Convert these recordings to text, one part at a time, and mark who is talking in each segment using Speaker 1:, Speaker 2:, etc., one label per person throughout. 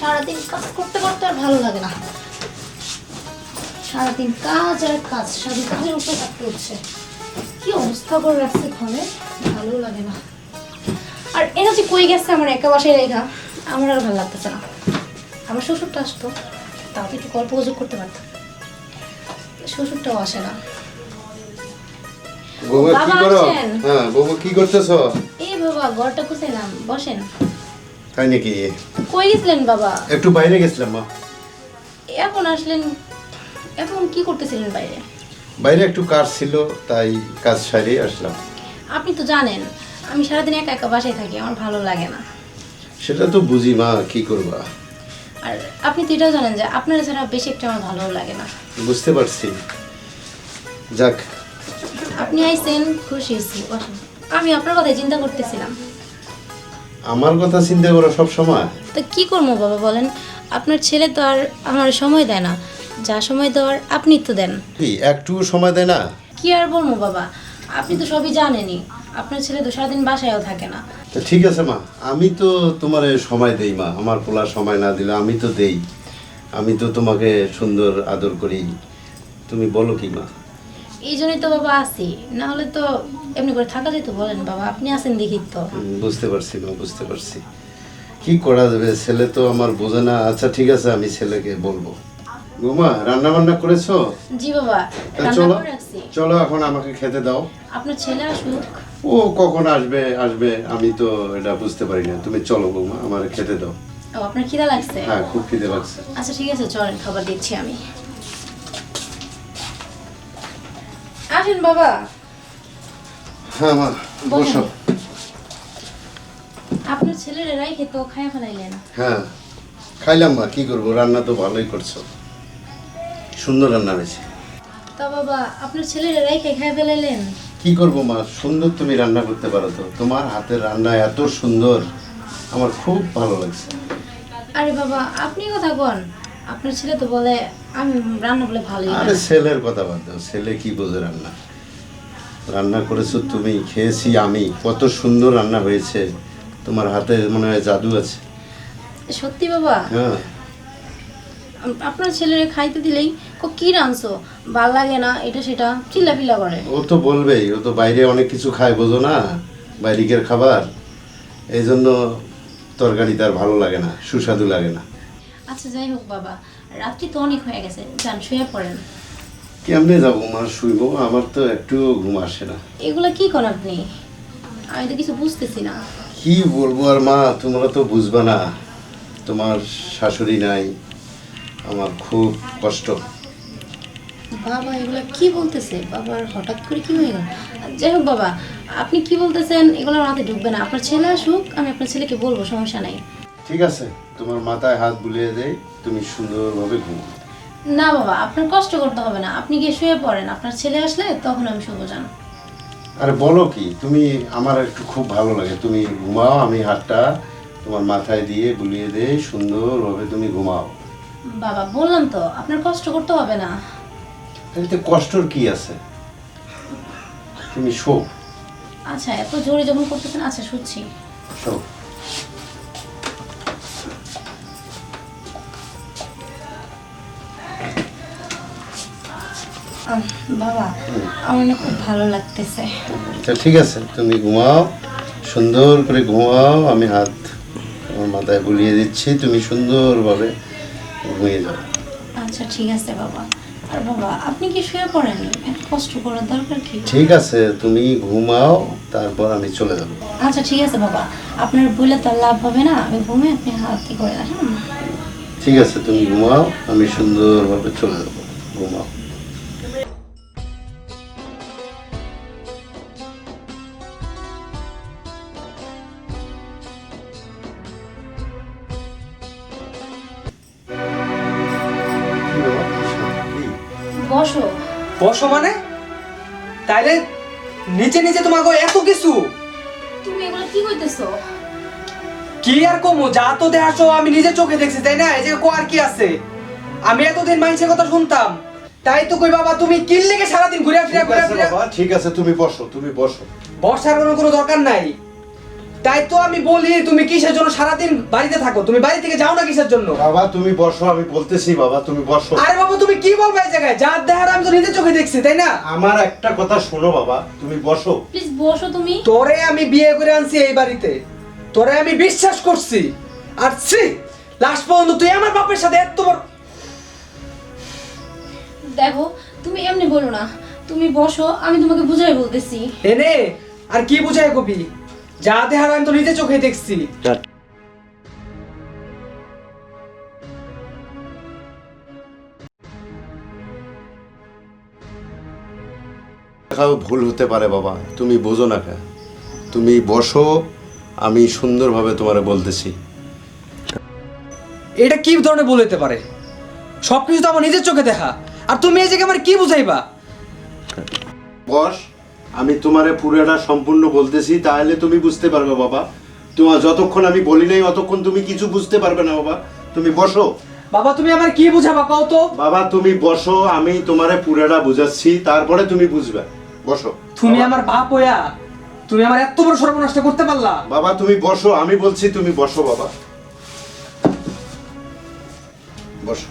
Speaker 1: সারাদিন কাজ করতে করতে আর ভালো লাগে না। সারাদিন কাজ আর কাজ, সারাদিন কাজের উপরে থাকতে হচ্ছে। কি অবস্থা করে রাখছে ঘরে, ভালো লাগে না। আর এরা যে কই গেছে আমার একা বাসায় রেখা, আমার আর ভালো লাগতেছে না। আমার শ্বশুরটা আসতো, তাও তো একটু গল্প গুজব করতে পারতাম। শ্বশুরটাও আসে না।
Speaker 2: বৌমা কি
Speaker 1: বাবা
Speaker 2: করো?
Speaker 1: আসেন।
Speaker 2: হ্যাঁ বৌমা কি করতেছো?
Speaker 1: এই বাবা ঘরটা গুছাইলাম, বসেন।
Speaker 2: তাই নাকি?
Speaker 1: কই গেছিলেন বাবা?
Speaker 2: একটু বাইরে গেছিলাম মা।
Speaker 1: এখন আসলেন? এখন কি করতেছিলেন বাইরে?
Speaker 2: বাইরে একটু কাজ ছিল, তাই কাজ সারিয়ে আসলাম।
Speaker 1: আপনি তো জানেন আমি সারাদিন একা একা বাসায় থাকি, আমার ভালো লাগে না।
Speaker 2: সেটা তো বুঝি মা, কি করবা।
Speaker 1: আর আপনি তো এটাও জানেন যে আপনারা ছাড়া বেশি একটা আমার ভালো লাগে না।
Speaker 2: বুঝতে পারছি। যাক,
Speaker 1: আপনি আইছেন, খুশি হয়েছি, বসেন। আমি আপনার কথাই চিন্তা করতেছিলাম।
Speaker 2: আমার কথা চিন্তা করো সব সময়।
Speaker 1: তো কি করবো বাবা বলেন, আপনার ছেলে তো আর আমার সময় দেয় না, যা সময় দেওয়ার আপনি তো দেন।
Speaker 2: কি একটু সময় দেয় না?
Speaker 1: কি আর বলবো বাবা, আপনি তো সবই জানেনই, আপনার ছেলে তো সারাদিন বাসায়ও থাকে না।
Speaker 2: তা ঠিক আছে মা, আমি তো তোমার সময় দেই মা। আমার পোলা সময় না দিলে আমি তো দেই। আমি তো তোমাকে সুন্দর আদর করি। তুমি বলো কি মা?
Speaker 1: এই জন্যই তো বাবা আছি, না হলে তো এমনি করে থাকা যেত বলেন বাবা, আপনি আছেন দেখি তো।
Speaker 2: বুঝতে পারছি মা, বুঝতে পারছি। কি করা যাবে, ছেলে তো আমার বোঝে না। আচ্ছা ঠিক আছে, আমি ছেলেকে বলবো। বৌমা রান্না বান্না করেছো?
Speaker 1: জি বাবা,
Speaker 2: তা
Speaker 1: রান্না
Speaker 2: চলো
Speaker 1: করে রাখছি।
Speaker 2: চলো, এখন আমাকে খেতে দাও।
Speaker 1: আপনার ছেলে আসুক।
Speaker 2: ও কখন আসবে আসবে আমি তো এটা বুঝতে পারি না। তুমি চলো বৌমা, আমার খেতে দাও।
Speaker 1: ও আপনার খিদা লাগছে?
Speaker 2: হ্যাঁ খুব খিদে লাগছে।
Speaker 1: আচ্ছা ঠিক আছে, চলেন খাবার দিচ্ছি আমি। আসেন বাবা।
Speaker 2: হ্যাঁ মা বসো।
Speaker 1: আপনার ছেলের রাইখে তো খায়া ফেলাইলেন।
Speaker 2: হ্যাঁ খাইলাম মা, কি করবো, রান্না তো ভালোই করছো, সুন্দর রান্না হয়েছে।
Speaker 1: তা বাবা আপনার ছেলের রাইখে খায়া ফেলাইলেন?
Speaker 2: কি করবো মা, সুন্দর তুমি রান্না করতে পারো তো। তোমার হাতের রান্না এত সুন্দর, আমার খুব ভালো লাগছে।
Speaker 1: আরে বাবা আপনি কথা কন, আপনার ছেলে তো বলে আমি রান্না বলে ভালোই
Speaker 2: আরে
Speaker 1: না।
Speaker 2: ছেলের কথা বাদ দাও, ছেলে কি বোঝে রান্না। রান্না করেছো তুমি, খেয়েছি আমি, কত সুন্দর রান্না হয়েছে। তোমার হাতে মনে হয় জাদু আছে।
Speaker 1: সত্যি বাবা?
Speaker 2: হ্যাঁ
Speaker 1: আপনার ছেলের খাইতে দিলেই কি রাঁধছো ভাল লাগে না এটা সেটা চিল্লাপিল্লা করে।
Speaker 2: ও তো বলবেই, ও তো বাইরে অনেক কিছু খায়, বোঝো না, বাইরের খাবার। এই জন্য তরকারি তার ভালো লাগে না, সুস্বাদু লাগে না।
Speaker 1: আচ্ছা যাই হোক বাবা, রাত্রি তো অনেক হয়ে গেছে, যান শুয়ে পড়েন।
Speaker 2: কেমনে যাবো মা শুইবো, আমার তো একটু ঘুম আসে না।
Speaker 1: এগুলা কি করেন আপনি, আমি তো কিছু বুঝতেছি না।
Speaker 2: কি বলবো আর মা, তোমরা তো বুঝবা না, তোমার শাশুড়ি নাই, আমার খুব কষ্ট।
Speaker 1: বাবা এগুলা কি বলতেছে, বাবার হঠাৎ করে কি হয়ে গেল? যাই হোক বাবা, আপনি কি বলতেছেন এগুলো মাথায় ঢুকবে না। আপনার ছেলে আসুক, আমি আপনার ছেলেকে বলবো, সমস্যা নাই।
Speaker 2: ঠিক আছে, তোমার মাথায় হাত বুলিয়ে দেই, তুমি সুন্দরভাবে ঘুমো।
Speaker 1: না বাবা আপনার কষ্ট করতে হবে না, আপনি গিয়ে শুয়ে পড়েন, আপনার ছেলে আসলে তখন আমি শুভ জান।
Speaker 2: আরে বলো কি তুমি, আমার একটু খুব ভালো লাগে, তুমি ঘুমাও, আমি হাতটা তোমার মাথায় দিয়ে বুলিয়ে দেই, সুন্দরভাবে তুমি ঘুমাও।
Speaker 1: বাবা বললাম তো আপনার কষ্ট করতে হবে না।
Speaker 2: এতে কষ্টর কি আছে, তুমি শো।
Speaker 1: আচ্ছা এত জোরে যখন করতেছেন, আচ্ছা শুচ্ছি।
Speaker 2: শো।
Speaker 1: বাবা আমার না খুব ভালো লাগতেছে।
Speaker 2: আচ্ছা ঠিক আছে, তুমি ঘুমাও, সুন্দর করে ঘুমাও, আমি হাত তোমার মাথায় বুলিয়ে দিচ্ছি, তুমি সুন্দরভাবে ঘুমিয়ে যাও।
Speaker 1: আচ্ছা ঠিক আছে বাবা। আর বাবা আপনি কি শুয়ে পড়েন, এত কষ্ট করার দরকার কি?
Speaker 2: ঠিক আছে তুমি ঘুমাও, তারপর আমি চলে যাব।
Speaker 1: আচ্ছা ঠিক আছে বাবা, আপনার বলে তো আর লাভ হবে না, আমি ঘুমে আপনি হাতে করে রাখেন।
Speaker 2: ঠিক আছে তুমি ঘুমাও, আমি সুন্দরভাবে চলে যাব, ঘুমাও। কি বাবা, কি?
Speaker 1: বসো।
Speaker 3: বসো মানে? তাইলে নিচে নিচে তোমাকে এত কিছু
Speaker 1: তুমি এগুলো কি কইতেছো?
Speaker 3: কি আর কমু, যা তো দেখাছো আমি নিজে চোখে দেখছি, তাই না? এই যে কো আর কি আছে, আমি এতদিন মানুষের কথা শুনতাম, তাই তো কই বাবা তুমি কিল লেগে সারাদিন ঘুরে ফিরে
Speaker 2: ঠিক আছে বাবা, ঠিক আছে তুমি বসো, তুমি বসো।
Speaker 3: বর্ষার কোনো দরকার নাই। তাই তো আমি বলি তুমি কিসের জন্য সারাদিন বাড়িতে থাকো, তুমি বাড়ি থেকে যাও না কিসের জন্য?
Speaker 2: বাবা তুমি বসো, আমি বলতেছি বাবা তুমি বসো।
Speaker 3: আরে বাবা তুমি কি বলবে এই জায়গায়? যা দেখার আমি তো নিজের চোখে দেখছি, তাই না?
Speaker 2: আমার একটা কথা শোনো বাবা, তুমি বসো।
Speaker 1: প্লিজ বসো তুমি।
Speaker 3: তোরে আমি বিয়ে করে আনছি এই বাড়িতে, তোরে আমি বিশ্বাস করছি, আর ছি লাস্ট পর্যন্ত তুই আমার বাপের সাথে এত বড়।
Speaker 1: দেখো তুমি এমনি বলো না, তুমি বসো, আমি তোমাকে বুঝাই বলতেছি।
Speaker 3: এনে আর কি বুঝায় কবি? যা দেখার আমি তো নিজের চোখে দেখছি।
Speaker 2: দেখাও ভুল হতে পারে বাবা, তুমি বোঝো না কেন। তুমি বসো, আমি সুন্দরভাবে তোমারে বলতেছি।
Speaker 3: এটা কি ধরনের বলতে পারে? সবকিছু তো আমার নিজের চোখে দেখা, আর তুমি এই জায়গায় আমার কি বুঝাইবা?
Speaker 2: বস, আমি তোমারে পুরোটা সম্পূর্ণ বলতেছি, তাহলে তুমি বুঝতে পারবে বাবা। তোমার যতক্ষণ আমি বলি নাই অতক্ষণ তুমি কিছু বুঝতে পারবে না বাবা। তুমি বসো।
Speaker 3: বাবা তুমি আমার কি বুঝাবা কও তো?
Speaker 2: বাবা তুমি বসো, আমি তোমারে পুরোটা বুঝাচ্ছি, তারপরে তুমি বুঝবে। বসো।
Speaker 3: তুমি আমার বাপ হইয়া তুমি আমার এত বড় সর্বনাশ করতে পারলা?
Speaker 2: বাবা তুমি বসো, আমি বলছি তুমি বসো বাবা। বসো।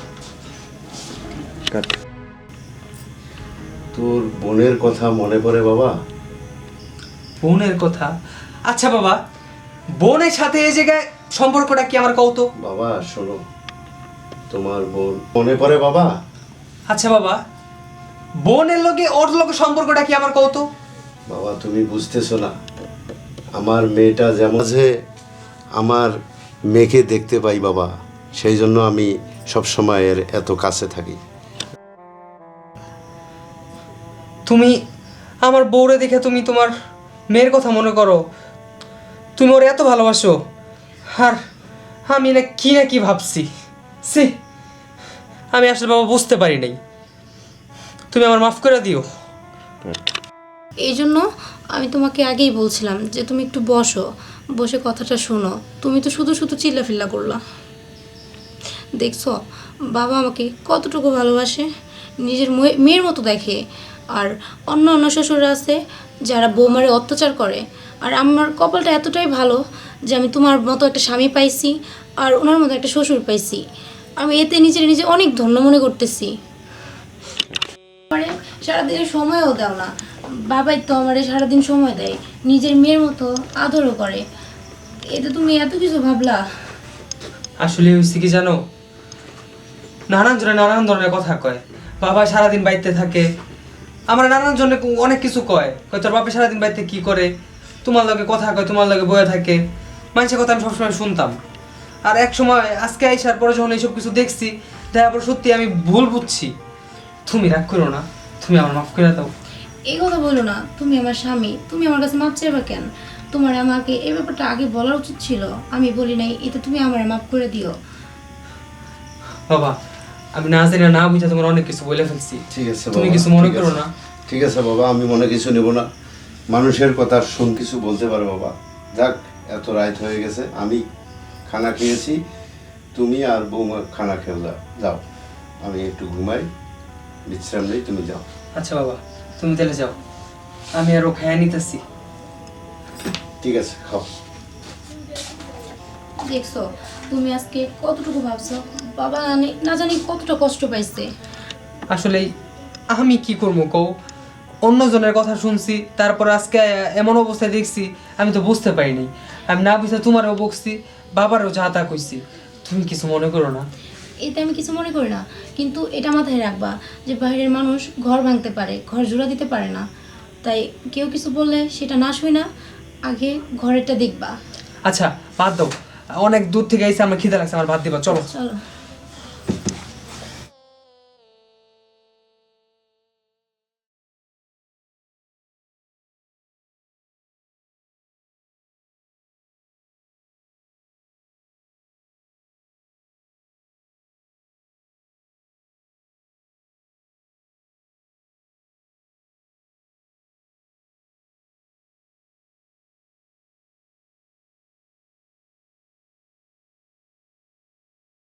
Speaker 2: তোর বোনের কথা মনে পড়ে বাবা?
Speaker 3: বোনের কথা? আচ্ছা বাবা, বোনের সাথে এই জায়গায় সম্পর্কটা কি আমার কও তো?
Speaker 2: বাবা শোনো, তোমার বোন মনে পড়ে বাবা?
Speaker 3: আচ্ছা বাবা, বোনের লগে ওর লগে সম্পর্কটা কি আমার কও তো?
Speaker 2: বাবা তুমি বুঝতেছো না, আমার মেয়েটা যেমন যে আমার মেয়েকে দেখতে পাই বাবা, সেই জন্য আমি সব সময় এর এত কাছে থাকি।
Speaker 3: তুমি আমার বউরে দেখে তুমি তোমার মেয়ের কথা মনে করো, তুমি ওর এত ভালোবাসো, আর আমি না কি ভাবছি। সি, আমি আসলে বাবা বুঝতে পারি নাই, তুমি আমার মাফ করে দিও।
Speaker 1: এই জন্য আমি তোমাকে আগেই বলছিলাম যে তুমি একটু বসো, বসে কথাটা শোনো। তুমি তো শুধু শুধু চিল্লাফিল্লা করলা। দেখছো বাবা আমাকে কতটুকু ভালোবাসে, নিজের মেয়ের মতো দেখে। আর অন্য অন্য শ্বশুররা আছে যারা বৌমারে অত্যাচার করে, আর আমার কপালটা এতটাই ভালো যে আমি তোমার মতো একটা স্বামী পাইছি, আর ওনার মতো একটা শ্বশুর পাইছি। আমি এতে নিজে অনেক ধন্য মনে করতেছি। আমারে সারাদিনের সময়ও দাও না, বাবাই তো আমারে সারাদিন সময় দেয়, নিজের মেয়ের মতো আদরও করে। এতে তুমি এত কিছু ভাবলা?
Speaker 3: আসলে হয়েছে কি জানো, নানান জনে নানান ধরনের কথা কয়। বাবা সারাদিন বাড়িতে থাকে, আমার নানান জনে অনেক কিছু কয়, তোর বাপে সারাদিন বাড়িতে কি করে, তোমার লগে কথা কয়, তোমার লগে বয়ে থাকে। মানুষের কথা আমি সবসময় শুনতাম, আর এক সময় আজকে আইসার পরে যখন এইসব কিছু দেখছি, তারপর সত্যি আমি ভুল বুঝছি। তুমি রাগ করো না, তুমি আমার মাফ করে দাও।
Speaker 1: এই কথা বলো না, তুমি আমার স্বামী, তুমি আমার কাছে মাপ চাইবা কেন? তোমার আমাকে এই ব্যাপারটা আগে বলার উচিত ছিল, আমি বলি নাই, এতে তুমি আমার মাপ করে দিও।
Speaker 3: বাবা আমি না জানি না বুঝা তোমার অনেক কিছু বলে ফেলছি,
Speaker 2: ঠিক আছে
Speaker 3: তুমি
Speaker 2: বাবা,
Speaker 3: কিছু মনে
Speaker 2: ঠিক
Speaker 3: করো
Speaker 2: আছে।
Speaker 3: না।
Speaker 2: ঠিক আছে বাবা, আমি মনে কিছু নেব না। মানুষের কথা শুন কিছু বলতে পারে বাবা। যাক, এত রাত হয়ে গেছে, আমি খানা খেয়েছি, তুমি আর বৌমা খানা খেয়ে যাও। আমি একটু ঘুমাই, বিশ্রাম নেই, তুমি যাও।
Speaker 3: আচ্ছা বাবা তুমি তাহলে যাও, আমি আরো খায়া নিতেছি।
Speaker 2: ঠিক আছে, খাও।
Speaker 1: দেখছো তুমি আজকে কতটুকু ভাবছো, বাবা না জানি কতটা কষ্ট পাইছে।
Speaker 3: আসলে আমি কি করবো কও, অন্যজনের কথা শুনছি, তারপর আজকে এমন অবস্থায় দেখছি, আমি তো বুঝতে পারিনি। আমি না বুঝতে তোমারও বকছি, বাবারও যা তা কইছি, তুমি কিছু মনে করো না।
Speaker 1: এতে আমি কিছু মনে করি না, কিন্তু এটা মাথায় রাখবা যে বাইরের মানুষ ঘর ভাঙতে পারে, ঘর জোড়া দিতে পারে না। তাই কেউ কিছু বললে সেটা না শুই না, আগে ঘরেরটা দেখবা।
Speaker 3: আচ্ছা বাদ দাও, অনেক দূর থেকে আইসে আমার খিদে লাগছে, আমার ভাত দিবা, চলো।
Speaker 1: চলো।